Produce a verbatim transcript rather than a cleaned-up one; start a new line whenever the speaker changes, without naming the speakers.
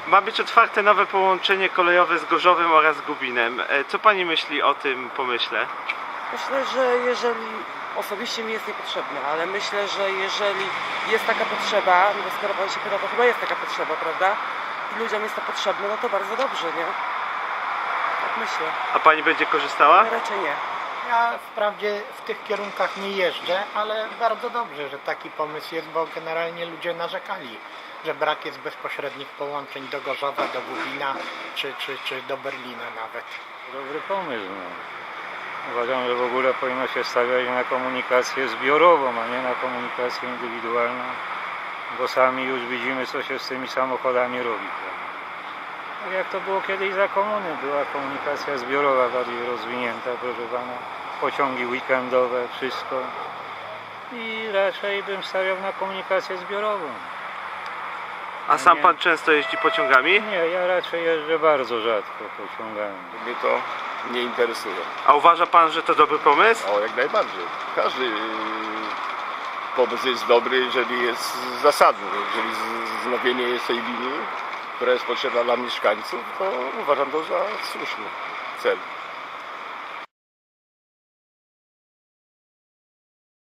Ma być otwarte nowe połączenie kolejowe z Gorzowem oraz Gubinem. E, Co pani myśli o tym pomyśle?
Myślę, że jeżeli osobiście mi jest niepotrzebne, ale myślę, że jeżeli jest taka potrzeba, no bo skoro pan się pyta, to chyba jest taka potrzeba, prawda? I ludziom jest to potrzebne, no to bardzo dobrze, nie? Tak myślę.
A pani będzie korzystała?
Raczej nie.
Ja wprawdzie w tych kierunkach nie jeżdżę, ale bardzo dobrze, że taki pomysł jest, bo generalnie ludzie narzekali, że brak jest bezpośrednich połączeń do Gorzowa, do Gubina czy, czy, czy do Berlina nawet.
Dobry pomysł. No. Uważam, że w ogóle powinno się stawiać na komunikację zbiorową, a nie na komunikację indywidualną, bo sami już widzimy, co się z tymi samochodami robi. Tak jak to było kiedyś za komuny, była komunikacja zbiorowa bardziej rozwinięta, proszę pana, pociągi weekendowe, wszystko. I raczej bym stawiał na komunikację zbiorową.
A sam
Nie.
pan często jeździ pociągami?
Nie, ja raczej jeżdżę bardzo rzadko pociągami.
Mnie to nie interesuje.
A uważa pan, że to dobry pomysł?
O, jak najbardziej. Każdy yy, pomysł jest dobry, jeżeli jest zasadny. Jeżeli z- wznowienie jest tej linii, która jest potrzebna dla mieszkańców, to uważam to za słuszny cel.